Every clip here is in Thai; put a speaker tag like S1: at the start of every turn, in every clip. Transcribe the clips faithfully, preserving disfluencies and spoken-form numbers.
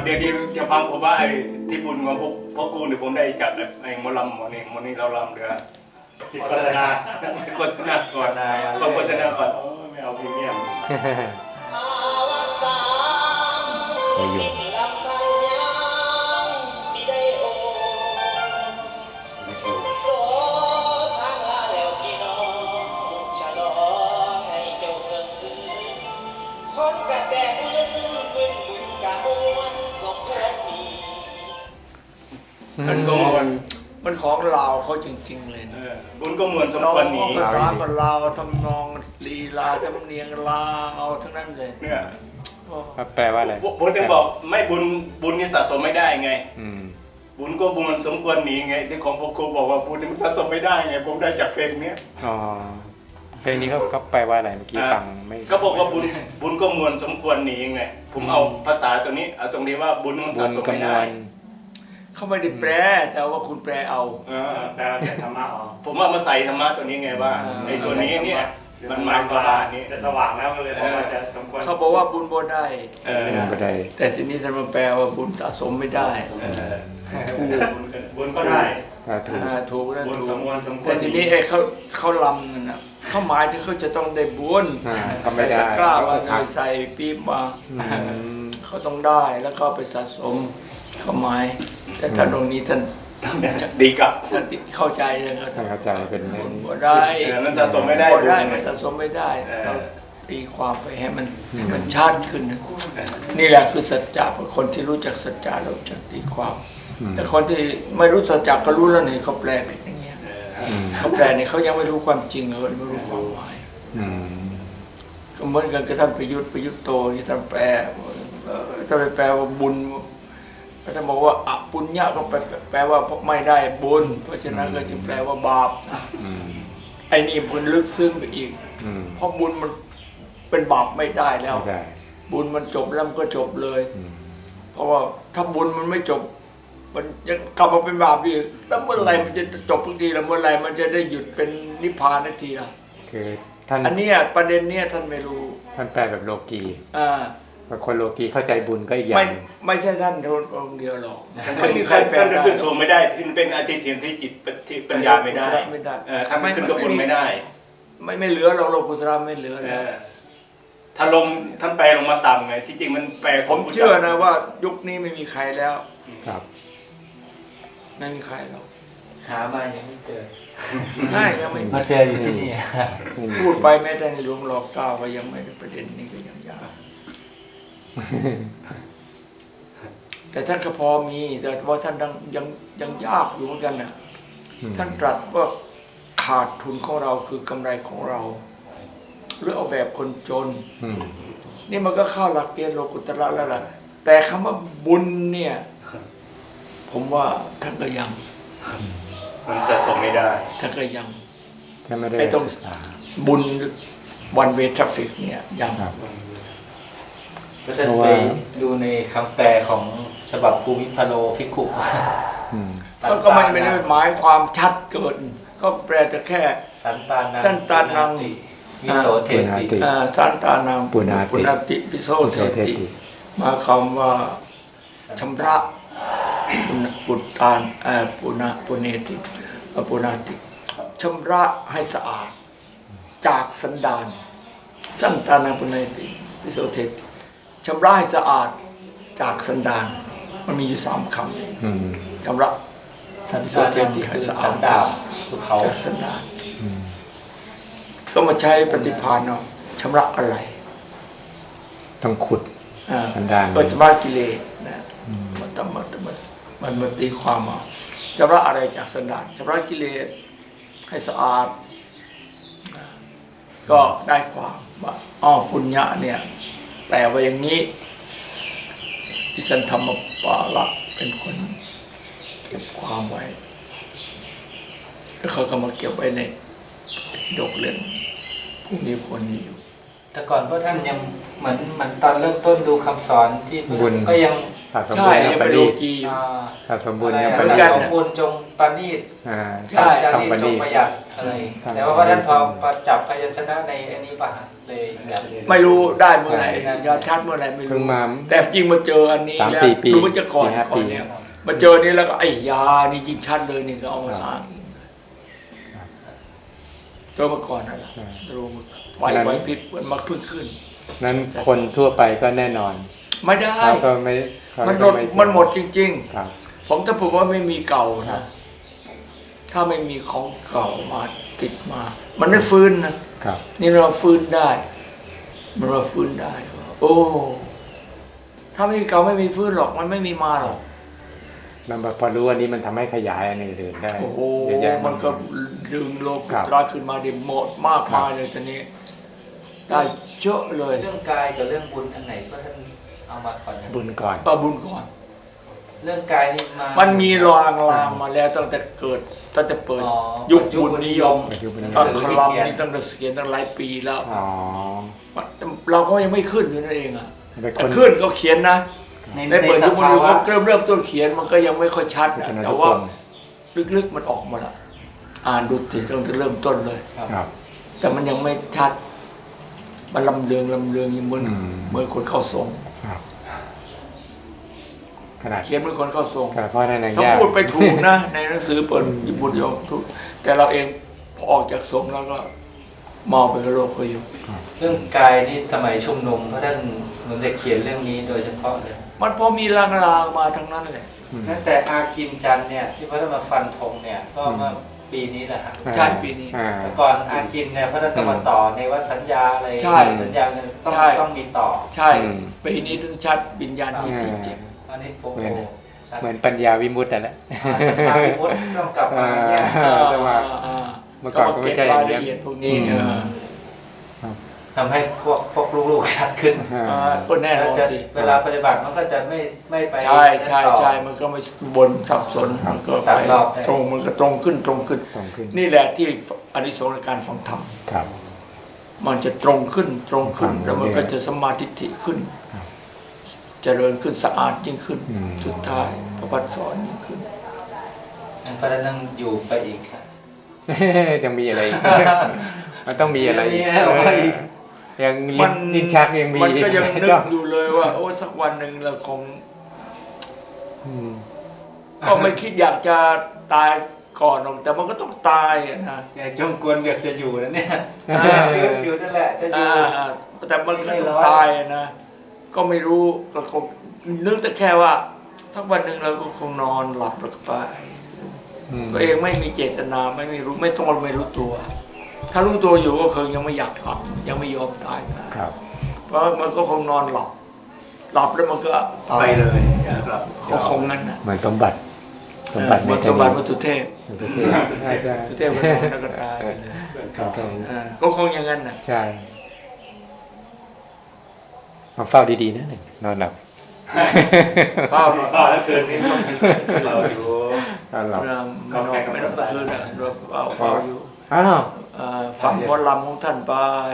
S1: เดี๋ยวนี้จะฟังผมว่าไอ้ที่บุญของพวกพ่อกูเนี่ยผมได้จากไอ้หมอลำหมอนี่หมอนี่เราลำเรือที่โฆษณาโฆษณาก่อนฟังโฆษณาก่อนไม่เอาพรีเมียม
S2: ไปอยู่
S1: มันก็มวล
S3: มันของลาวเขาจริงๆเลยนะ
S1: บุญก็มวลสมควรหนี
S3: ภาษาก็ลาวทำนองลีลาสำเนียงลาวทั้งนั้นเลย
S1: เนี่ย
S2: แปลว่าอะไร
S1: ผมถึงบอกไม่บุญบุญนี่สะสมไม่ได้ไง
S2: อืม
S1: บุญก็มวลสมควรหนีไงที่ของพ่อครูบอกว่าบุญนี่มันสะสมไม่ได้ไงผมได้จากเพลงเนี้ย
S2: อ๋อเพลงนี้เขาก็แปลว่าอะไรเมื่อกี้ฟังไม่
S1: ก็บอกว่าบุญบุญก็มวลสมควรหนีไงผมเอาภาษาตัวนี้เอาตรงนี้ว่าบุญมัน
S2: บุ
S1: สะ
S2: ญ
S1: สม
S2: กำ
S1: ไม่
S2: น
S1: ได้
S2: วน
S3: เขาไม่ได้แปลแต่ว่าคุณแปลเอา
S1: เออ
S4: แปลว่าใส่ธรรมะออก
S1: ผมว่ามาใส่ธรรมะตัวนี้ไงว่าไอ้ตัวนี้เนี่ยมันหมายความว่านี้
S4: จะสว่างแล้วก็เลยบอกว่าจะสมควร
S3: เขาบอกว่าบุญบ่ได้
S1: เออ
S2: บุญก็ได้
S3: แต่ทีนี้ท่านมาแปลว่าบุญสะสมไม่ได้
S1: เออ
S3: ถูก
S4: บุญก็ได้
S2: ถ้าถูก
S3: อ่าถูกนั่น
S4: บุญ
S3: ถู
S4: กับ
S3: ก
S4: มวลสมควร
S3: แต่ทีนี้ไอ้เขาเขาลำนั่นนะเขาหมายถึงเขาจะต้องได้บุญ
S2: อ่าทำไม่
S3: ใส่
S2: ได้
S3: ตะกร้ามา
S2: เขา
S3: เลยใส่ปี๊บมา
S2: อืม
S3: เขาต้องได้แล้วก็ไปสะสมเขาหมาย แต่ท่านตรงนี้ท่าน
S1: ดีกับ
S3: ท่านเข้าใจเลยนะ
S2: ให้เข้าใจเป็นเรื่
S3: บุ
S2: อง
S3: ญ
S2: นี้
S3: บ่ได้
S1: เออมันสะสมไม่ได้
S3: บ่ได้
S1: บุญ
S3: มันสะสมไม่ได้
S1: เออ
S3: เราตีความไปให้มันให้มันชัดขึ้นนะนี่แหละคือสัจจะคนที่รู้จักสัจจะเราจะตีความ
S2: อืม
S3: แต่คนที่ไม่รู้สัจจะก็รู้แล้วนี่เขาแปลผิดอย่างเงี้ย
S2: อืม
S3: เขาแปลเนี่ยเขายังไม่รู้ความจริงเลยไม่รู้ความหมาย
S2: อืม
S3: ก็เหมือนกันกับท่านประยุทธ์ประยุทธ์โตที่ท่านแปลเอ่อท่านไปแปลว่าบุญท่านบอกว่าอปุญญะก็แปลแปลว่าไม่ได้บุญเพราะฉะนั้นก็จึงแปลว่าบาป
S2: อืม
S3: ไอ้นี่บุญลึกซึ้งไปอีก
S2: อืม
S3: เพราะบุญมันเป็นบาปไม่ได้แล้ว
S2: ไม่ได้
S3: บุญมันจบแล้วมันก็จบเลย
S2: อืม
S3: เพราะว่าถ้าบุญมันไม่จบ มันยังกลับมาเป็นบาปอีกแล้วเมื่อไหรมันจะจบทุกทีแล้วเมื่อไหรมันจะได้หยุดเป็นนิพพานทันทีล่ะ
S2: คือท่าน
S3: อันเนี้ยประเด็นเนี้ยท่านไม่รู้
S2: ท่านแปลแบบโลกี
S3: อ่า
S2: บางคนโลกีเข้าใจบุญก็อีกอย่า
S3: ไม่
S2: ง
S3: ไม่ใช่ท่านองค์เดียวหรอก
S1: ท่าน
S3: ไม่มีใคร
S1: ท่าน
S3: แปล
S1: ท่าน
S3: ได้
S1: ขึ้นสูงไม่ได้ที่เป็นอธิเสียงที่จิตที่ปัญญาไม่ได้
S3: ไม่ได้
S1: เออท่านขึ้นกับบุญไม่ได้
S3: ไม่ไม่เหลือหรอกโลกุตระไม่เหลือ
S1: เอ
S3: แล้ว
S1: อถ้าลงท่านแปลลงมาต่ำไงที่จริงมันแปล
S3: ผมเชื่อนะว่ายุคนี้ไม่มีใครแล้ว
S2: ครับ
S3: ไม่มีใครหรอก
S5: หามายังไม่เจอ
S3: ง่ายยังไม่มี
S5: มาเจออยู่ที่นี่
S3: พูดไปแม้แต่ในหลวงรอเก้าก็ยังไม่ได้ประเด็นนี้ก็ยังยากแต่ท่านก็พอมีแต่ว่าท่านยังยังยังยากอยู่เหมือนกันน่ะ
S2: อืม
S3: ท่านตรัสว่าขาดทุนของเราคือกำไรของเรา หรือเอาแบบคนจน
S2: อืม
S3: นี่มันก็เข้าหลักเกณฑ์โลกุตระแล้วล่ะ แต่คำว่าบุญเนี่ย ผมว่าท่านก็ยัง
S1: มันสะสมไม่ได้
S3: ท่านก็ยัง
S2: ท่านไม่ได้
S3: ไอ้ตรง
S2: ศึกษา
S3: บุญวันเวทราฟิกเนี่ยยัง
S2: ครับ
S5: ก็ท่านไปดูในคำแปลของฉบับภูมิพาโลภิกขุ
S2: อืม
S3: ก็ก็มันไม่ได้หมายความชัดเกิน ก็แปลแต่แค่
S5: สันตานัง
S3: สันตานัง
S5: วิโสเทติ
S3: อ่าสันตานัง
S2: ปุณาติ
S3: ปุณาติปิโสเท
S2: เท
S3: ติ
S2: ติ
S3: หมายความว่าชำระปุณปุตตานเอ่อปุณาปุเนติเอ่อปุณาติชำระให้สะอาด จากสันดานสันตานังปุเนติปิโสเทติชำระให้สะอาดจากสันดานมันมีอยู่สามค
S2: อืม
S3: ำชำระ
S5: สัน
S3: ปิโส
S5: ตา
S3: เท
S5: นัง
S3: ติให้
S5: คือ
S3: สะอา
S5: สั
S3: ด
S5: นดาบภูเขา
S3: จากสันดาน
S2: อืม
S3: ก็มาใช้ปฏิภาณเนาะชำระอะไร
S2: ต้องขุด
S3: อ่า
S2: สันดาน
S3: ก็ชำระกิเลสนะมันต้องมันมันมันมันตีความเอาชำระอะไรจากสันดานชำระกิเลสให้สะอาดนะก็ได้ความว่าอ้อปุญญะเนี่ยแปลว่าอย่างนี้ ที่ท่านธรรมปาละเป็นคนเก็บความไว้แล้วเขาก็มาเก็บไว้ในดกเล่มผู้มีผลอยู่
S5: แต่ก่อนพวกท่านยังเหมือนเหมือนตอนเริ่มต้นดูคำสอนที่
S2: บุญ
S5: ก็ยังพ
S2: ขาดสม
S3: ใช่
S2: บูรณ์ยัง
S3: ยัง
S2: ป
S3: เป็นโล
S2: ณีต
S3: กีอยู่
S5: อ่า
S2: ขาดสมบูรณ์
S5: อะไร
S2: ยัง
S5: อะ
S2: ป
S3: เหมือน
S2: ณี
S3: กั
S2: ต
S3: น
S5: สมบูรณ์จงปานีต
S2: อ่า
S3: ใช่
S5: จา
S2: ต้อง
S5: รีต
S2: ป
S5: จ
S2: ณี
S5: ง
S2: ต
S5: ประหยัดอะไร
S2: ครับ
S5: แต่ว่าพระท่านพอพอจับพยัญชนะในอันนี้ป่ะเลยแบบ
S3: ไม่รู้ได้เมื่อไหร่
S5: ใช่
S3: ยอดชัดเมื่อไหร่ไม่
S2: เพิ่
S3: รู้
S2: งมา
S3: แต่จริงมาเจออันนี้
S2: สาม
S3: แล้ว
S2: สี่ปี
S3: รู้ว่าจะก่อน
S2: สี่ห้า
S3: ก่อ
S2: ปี
S3: นเนี่ยมาเจอนี้แล้วก็ไอ้ยานี่ยิ่งชัดเลยนี่ก็เอามาอ้างเจอมาก่อนนั่นแหละรู้ไหวไหวพริบมันมาเพิ่งขึ้น
S2: นั้นคนทั่วไปก็แน่นอน
S3: ไม่ได้
S2: เขาก็ไม่เขา
S3: มันหม
S2: ก็
S3: ด
S2: ไ
S3: มันหมดจริง
S2: ครับ
S3: ๆ ผมถ้าผมว่าไม่มีเก่า
S2: ครั
S3: นะ
S2: บ
S3: ถ้าไม่มีของเก่ามาติดมา มันไม่ฟื้นนะครับ นี่เราฟื้นได้ มันเราฟื้นได้ โอ้ถ้าไม่มีเก่าไม่มีฟื้นหรอกมันไม่มีมาหรอก
S2: มันพอรู้อันนี้มันทำให้ขยายอันอื่นๆได้
S3: โอ้โห
S2: เยอะแยะ
S3: มันก็ดึงโลกุ
S2: ครับ
S3: ตระขึ้นมาได้หมดมากมายเลยตอนนี้ ได้เยอะเลย
S5: เรื่องกายกับเรื่องบุญอันไหนก็ท่านเอามาก่อนนะ
S2: บุญก่อน
S3: ปาบุญก่อน
S5: เรื่องกายนี่มา
S3: มั
S5: มัน
S3: มีรางรางมาแล้วตั้งแต่เกิดตั้งแต่เปิด
S5: อ๋อ
S3: ยุคบุญนิยม
S2: ยุคบุญนิยม
S3: ตอนคลัมนี่ตั้งแต่เขียนตั้งหลายปีแล้ว
S2: อ๋อ
S3: เราก็ยังไม่ขึ้นอยู่นั่นเองอ่ะ
S2: เป็นค
S3: แต่
S2: น
S3: ขึ้นก็เขียนนะ
S5: ใน
S3: ในเปิด
S5: ในส
S3: ยุคบุญ
S5: ภา
S3: นิยม
S5: วะ
S3: ก็เริ่มเริ่มต้นเขียนมันก็ยังไม่ค่อยชัดนะ
S2: เป็น
S3: แต่
S2: ทุก
S3: ว่า
S2: คน
S3: ลึกๆมันออกมาละอ่านดูสิตั้งแต่เริ่มต้นเลย
S2: ครับ
S3: แต่มันยังไม่ชัด มันลำเลืองลำเลืองอย่างเหมือน
S2: อืม
S3: เหมือนคนเข้าทรง
S2: ครับขนาด
S3: เขียนเหมือนคนเข้าทรง
S2: ขนาดพ่อในนาง
S3: ถ้า
S2: ย่า
S3: พูดไปถูกนะ ในหนังสือเปิดบุญนิยมทุกแต่เราเองพอออกจากทรงแล้วก็มองไปกับโลกเขาอยู่
S5: เรื่องกายนี่สมัยชุมนุมพระท่านเหมือนจะเขียนเรื่องนี้โดยเฉพาะเลย
S3: มันพอมีลางๆมาทั้งนั้นเลย
S2: อืม
S5: นั่นแต่อากินจันทร์เนี่ยที่พระท่านมาฟันธงเนี่ยก็เมื่อปีนี้แหละฮะ
S3: ใช่ปีนี้
S2: อ่า
S5: แต่ก่อนอากินเนี่ยพระท่านต้องมาต่อในวัดสัญญาอะไร
S3: ใช่
S5: สัญญาเนี่ยต้อง
S3: ใช่
S5: ต้องมีต่อ
S3: ใช่
S2: อืม
S3: ปีนี้ถึงชัดวิญญาณที่ที่เจ็บ
S5: อันนี้ผม
S2: เหมือน
S5: โอ้ชัด
S2: เหมือนปัญญาวิมุตต์นั่นแหละ
S5: อ่าสัญญาวิมุตติต้องกลับมาแยก
S2: เออแต่ว่า
S3: อ่า
S2: เมื่อก่อนก็ไม่
S3: เก็บ
S2: ใช่อ
S3: รา
S2: ย่าย ง
S3: ละ
S2: นี้
S3: เอียดพวกนี้
S2: อืม
S3: เออ
S5: ทำให้พวกพวกลูกๆชัดขึ้น
S2: อ่า
S3: อ่าก็แน่น
S5: แล้ว
S3: อน
S5: จะ
S3: สิ
S5: เวลาปฏิบัติมันก็จะไม่ไม่ไป
S3: ใช่ใช่
S5: ต่อ
S3: ใช่มันก็ไม่บนสับสนมันก็
S5: ตัด
S3: ไป
S5: รอบได้
S3: ตรงมันก็ตรงขึ้นตรงขึ้น
S2: ตรงขึ้น
S3: นี่แหละที่อานิสงส์ในการฟังธรรม
S2: ครับ
S3: มันจะตรงขึ้นตรงขึ้น
S2: ครับ
S3: แล้วมันก็จะสมาธิิขึ้น
S2: ครับ
S3: เจริญขึ้นสะอาดยิ่งขึ้น
S2: อืม
S3: สุดท้ายพระพัฒสอนยิ่งขึ้น
S5: งั้นพระท่านต้องอยู่ไปอีกค่ะ
S2: ยังมีอะไรอีก มันต้องมีอะไร
S5: มีอะไรอีก
S2: ยังลิ้นลิ้นชักยังมี
S3: มันก็ยังนึ
S2: จ้
S3: กอยู่เลยว่า โอ้สักวันหนึ่งเราคง
S2: อืม
S3: ก็ไม่คิดอยากจะตายก่อนหรอกแต่มันก็ต้องตายอะนะ
S5: เนี่ยจงกวนเบียกจะอยู่นะเนี่ย
S3: อ่า
S5: อยู่นั่นแหละจะอยู่
S3: อ่าแต่มันก็ต้องตายอะนะ ก็ไม่รู้ก็คงนึกแต่แค่ว่าสักวันหนึ่งเราก็คงนอนหลับแล้วก็ไป
S2: อืม
S3: ตัวเองไม่มีเจตนาไม่มีรู้ไม่ต้องไม่รู้ตัว ถ้ารู้ตัวอยู่ก็คงยังไม่อยากหลับยังไม่ยอมตายนะครับ เพราะมันก็คงนอนหลับ หลับแล้วมันก็ตาย
S1: ไปเลยครับ
S3: คงคงงั้นนะ
S2: เหมือนสมบัติสมบัติ
S3: วัตถุบัติวัตถุเทพ
S2: ใช่ใช่
S3: วัตถุเทพก็นอนแล้วก็ตายไปเลย
S2: ครับ
S3: อ่าก็คงอย่างนั้นนะ
S2: ใช่มาเฝ้าดีๆนะหนึ่งนอนหลับ
S3: เฝ้า
S4: ก็ถ้าเกิดนี้ต้องถึงเราอยู่
S2: นอนหลับ
S3: เวลาไม่นอนไม่นอนกลางคืนอ่ะเราเฝ้าเฝ้าอยู่
S2: อ้าว
S3: อ่าฝังหมอลำของท่านไป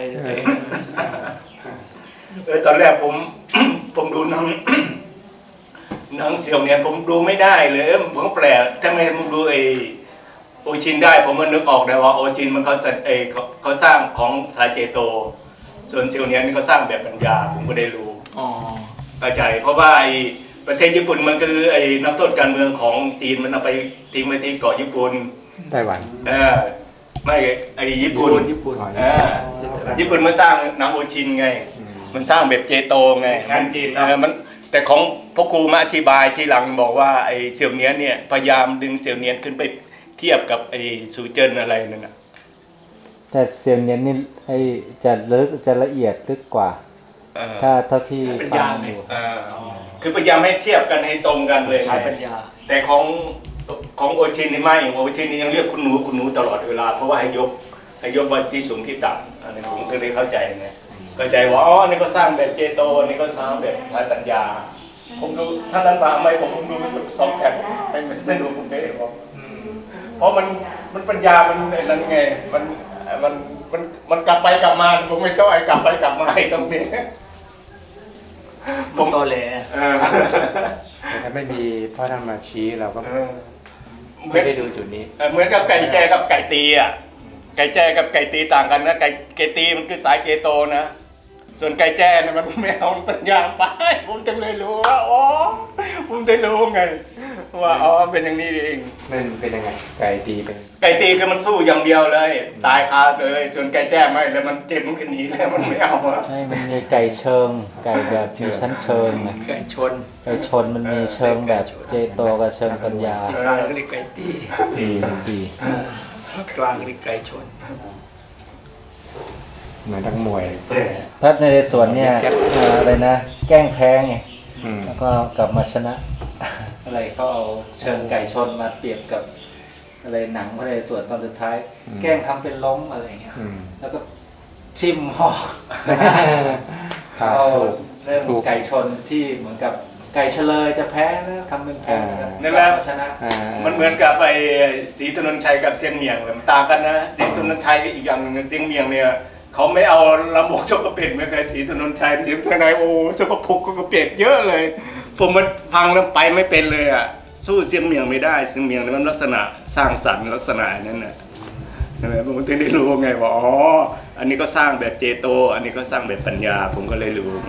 S1: เออตอนแรกผม ผมดูหนัง หนังเสี่ยวเนี่ยผมดูไม่ได้เลยเออผมก็แปลกทำไมผมดูไอโอชินได้ ผมมันนึกออกได้ว่าโอชินมันเขาสัเออเขาเขาสร้างของสายเจโต ส่วนเสี่ยวเนี่ยนี่เขาสร้างแบบปัญญาผมก็ได้รู้
S3: อ๋อ
S1: เข้าใจเพราะว่าไอประเทศญี่ปุ่นมันคือไอ้นักโทษการเมืองของจีนมันเอาไปทิ้งไว้ที่เกาะญี่ปุ่น
S2: ไต้หวัน
S1: เออไม่ไอ้ญี่ปุ่น
S3: ญี่ปุ่น
S1: เออญี่ปุ่นมันสร้างหนังโอชินไง
S2: อืม
S1: มันสร้างแบบเจโตไง
S4: งานจีน
S1: เออมันแต่ของพ่อครูมาอธิบายที่หลังบอกว่าไอ้เสี่ยวเนียนเนี่ยพยายามดึงเสี่ยวเนียนขึ้นไปเทียบกับไอ้สูเจิ้นอะไรนั่นน่ะ
S6: แต่เซียนเนียนนี่ไอจะลึกจะละเอียดลึกกว่า
S1: เออ
S6: ถ้าเท่าที่
S3: เป็น
S6: ฟั
S3: ยาง ไง
S6: อยู่
S1: เออคือพยายามให้เทียบกันให้ตรงกันเลย
S3: ใช้ปัญญา
S1: แต่ของของโอชินนี่ไม่โอชินนี่ยังเรียกคุณหนูคุณหนูตลอดเวลาเพราะว่าให้ยกให้ยกว่าที่สูงที่ต่ำอันนี้ผมก็เลยเข้าใจไงเข้าใจว่าอ๋อนี่ก็สร้างแบบเจโตนี่ก็สร้างแบบใช้ปัญญา ผมดูถ้านั้นมาไม่ผมดูไม่สองแผ่นไม่ไม่เส้นดูผมไม่ได้บอกเพราะมันมันปัญญามันนั่นไงมันมันมันมันกลับไปกลับมาผมไม่ชอบไอ้กลับไปกลับมาไอ้ตรงนี้
S3: ผมตอแหล
S1: เออ
S2: แต่ถ้าไม่มีพ่อท่านมาชี้เราก็
S1: เออเหมื
S2: ไม่
S1: อน
S2: ได้ดูจุดนี้
S1: เออเหมือนกับไก่แจ้กับไก่ตีอ่ะไก่แจ้กับไก่ตีต่างกันนะไก่ไก่ตีมันคือสายเจโตนะส่วนไก่แจ้เนี่ยมันไม่เอาปัญญาไปผมจึงเลยรู้ว่าอ๋อผมจะรู้ไงว่าอ๋อเป็นอย่างนี้เอง
S2: มันเป็นยังไง ไก่ตีเป็น
S1: ไก่ตีคือมันสู้อย่างเดียวเลย ตายคาเลยส่วนไก่แจ้ไม่แล้วมันเจ็บมันก็หนีแล้วมันไม่เอาอะ
S6: ให้มันมีไก่เชิง ไก่แบบมีชั้นเชิงนะ
S3: ไก่ชน
S6: ไก่ชนมันมีเชิงแบบเจโตกับเชิงปัญญา
S3: อีสานก็เรียกไก่ตี
S6: ดีดี
S3: ภาคกลางเรียกไก่ชน
S2: เหมือนทั้งมวย
S6: พระนเรศวรเนี่ยเอ่ออะไรนะ แกล้งแพ้ไง
S2: อืม
S6: แล้วก็กลับมาชนะ
S5: อะไรเขาเอาเชิงไก่ชนมาเปรียบกับ อะไรหนังพระนเรศวรตอนสุดท้าย แกล้งทำเป็นล้มอะไรอย่างเงี้ย
S2: อืม
S5: แล้วก็ชิมหอก
S2: ครับ
S5: เอา
S2: ถูก
S5: เรื่อง
S2: ถูก
S5: ไก่ชนที่เหมือนกับไก่เฉลยจะแพ้แล้วทำเป็นแพ้แล้ว
S1: นั่นแหละ
S5: กลับมาชนะ
S2: อ่า
S1: มันเหมือนกับไอ้ศรีถนนชัยกับเสียงเมียงเลยมันต่างกันนะศรีถนนชัยอีกอย่างหนึงเสียงเมียงเนี่ยเขาไม่เอาลำบกชกกระเป็ดเหมือนกับศรีถนนชัยศรีถนนชัยโอ้ชกกระพุกกระเป็ดเยอะเลย ผมมันพังแล้วไปไม่เป็นเลยอ่ะสู้เสียงเมียงไม่ได้เสียงเมียงเนี่ยมันลักษณะสร้างสรรค์ลักษณะนั้นน่ะใช่ไหมผมถึงได้รู้ไงว่าอ๋ออันนี้ก็สร้างแบบเจโต อันนี้ก็สร้างแบบปัญญา ผมก็เลยรู้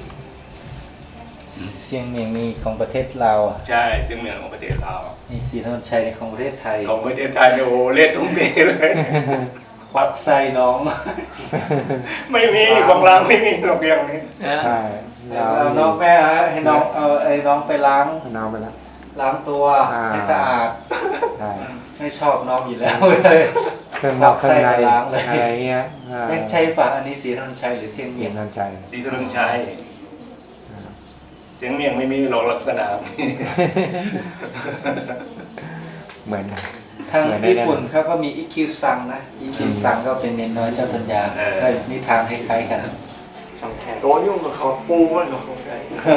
S6: เสียงเมียงมีของประเทศลาวอ่ะ
S1: ใช่เสียงเมียงของประเทศเรา
S6: มีศรีถนนชัยของประเทศไทย
S1: ของประเทศไทยเนี่ยโอ้เล่นทุ่มเทเลย
S5: ควักไส้น้อง
S1: ไม่มีบางร้านไม่มีหรอกอย่างนี้
S2: ใช่
S5: เอาน้องแม่ให้น้องเอาไอ้น้องไปล้าง
S2: น้องไปแล้ว
S5: ล้างตัว
S2: อ่า
S5: ให้สะอาด
S2: ใช่
S5: ไม่ชอบน้องอยู่แล้วเลย
S2: เครื่องนอกเครื่องใน
S5: ควักไส้ไปล้างเลย
S2: อะไรเงี้ยอ่า
S5: ไม่ใช่ป่ะอันนี้สีธนนชัยหรือเสียง
S2: เมี
S5: เมี
S2: ย
S5: ย
S2: น
S5: ง
S2: นันใจ
S1: ศรีถนนชัยเสียงเมียงไม่มีหรอกลักษณะ
S2: เหมือน
S5: ทาง
S2: เหมือนใน
S5: ญี่ปุ่นเขาก็มีอิคิวซังนะอิคิวซังก็เป็นเนนน้อยเจ้าปัญญา
S1: เออ
S5: ก็นิทานคล้ายๆกัน
S2: ช่องแคบ
S3: ตัวยุ่งกับเขาปูมันกับเขาได้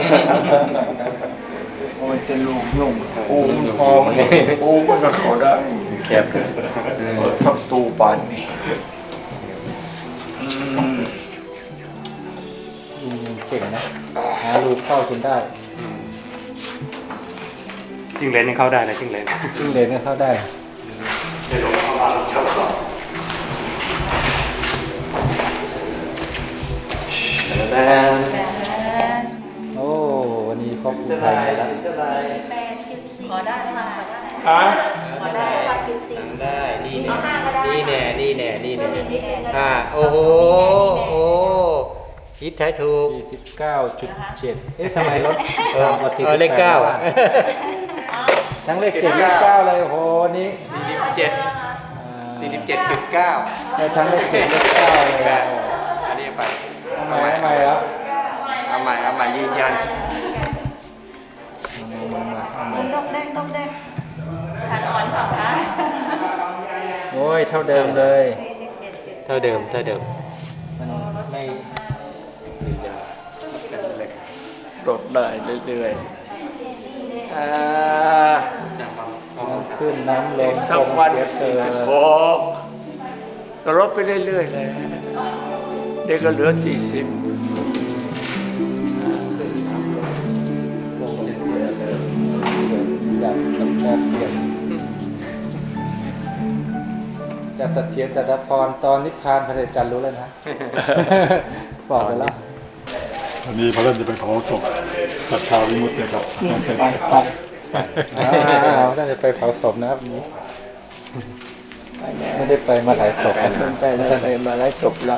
S3: โอ้ยจะลูกยุ่งปูมันคอมันปูมันกับเขาได้
S2: แคบ
S3: เออทำตูปานนี่อืม
S6: อืมเก่งนะหารูเข้าจนได้
S2: จิ้งเหลนยังเข้าได้นะจิ้งเหลน
S6: จิ้งเหลนก็เข้าได้ โอ้วันนี้ครอบครัวไทยแล้ว
S7: แปดจุดสี่ขอได้ไหมคะขอได้
S3: อ่ะ
S7: ขอได้แปดจุดสี่
S4: ได้นี่
S7: เอา
S4: แน่
S7: ห้าก็ได้
S4: นี่แน่นี่แน่นี่
S7: เพิ่
S4: แน่
S7: มอีกนิดนึงก็ได้
S4: อ่าโอ้โหโอ้คิดแท้ถูก
S6: สี่สิบเก้าจุดเจ็ดเอ๊ะทำไมลด
S4: เออ
S6: ต่ำกว่าสี่
S4: เอ
S6: สิ
S4: อบ เลข
S6: แปด
S4: เก้า
S6: บ้
S4: อ่ะ
S6: ทั้งเลขเจ็ดเลขเก้าเลยโอ้โหนี่
S4: สี่สิบเจ็ดสี่สิบเจ็ดจุดเก้า
S6: ได้ทั้งเลขเจ็ดเลขเก้าเลยอ่ะ
S4: อันนี้ไป
S6: ทำไมทำไมแล้ว
S4: เอาใหม่เอาใหม่ยืนยัน
S7: ดกแดงดกแดงทานอ่อนเปล่าคะ
S6: โอ้ยเท่าเดิมเลย
S4: เท่าเดิมเท่าเดิม
S6: มันไม่
S3: ลดได้เรื่อยๆอ่า
S6: น้ำขึ้นน้ำลง
S3: สักวัน
S6: เสียเซอ
S3: สี่
S6: ร์
S3: สิบหกก็ลดไปเรื่อยๆเลยเด็กก็เหลือสี่สิบ
S6: จากแบบเปลี่ยนจากเสถียรจัตพรตอนนิพพานพระเดชจันทร์รู้แล้วนะ บอกไปแล้ว
S8: วันนี้พระเล่นจะไปขอศพตัดชาววิมุตติครับ
S3: ไปไป
S6: อ้าวน่าจะไปเผาศพนะครับวันนี้ไม่ได้ไปมาถ่ายศพกัน
S3: มันไปแล้วไปมาไล่ศพละ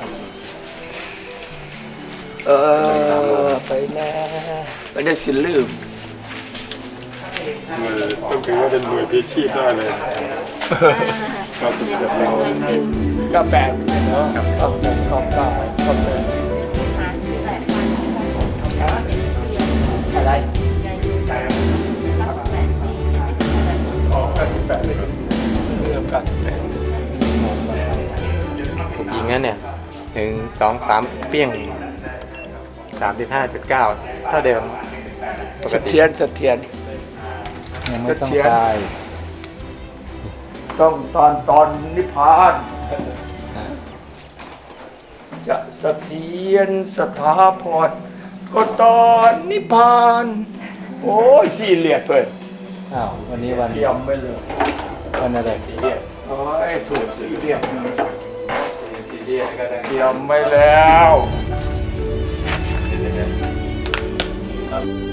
S3: เออไปแล้วไปได้สิลืม
S8: หน่วยต้องถือว่าเป็นหน่วยพลีชีพได้เลยก็สุดยอดเรา
S3: ก็แปดเนาะก็แปดก็เก้าก็แปด
S7: หาซื้อแหละแต่ว่าเป็นเดือน
S3: อะไร
S7: ยายุรับแปดปีไม่ถึงอะไร
S3: ออกเก้าสิบแปดเลยเรื่องเก้าสิบแปด
S4: ถูกยิงนั่นเนี่ยหนึ่งสองสามเปี้ยงสามสิบห้าจุดเก้าเท่าเดิมปก
S3: เส
S4: ติ
S3: ถียรเสถียร
S6: ยังไม่ต้อง
S3: เสถียร
S6: ตาย
S3: ต้องตอนตอนนิพพานจะเสถียรสถาพรก็ตอนนิพพานโอ้ยสี่เหลียดเลย
S6: อ้าววันนี้วัน
S3: เตรียมไปเลย
S6: วันอะไร
S3: โอ้ยถูกสี่เหลียดเตรียมไปแล้ว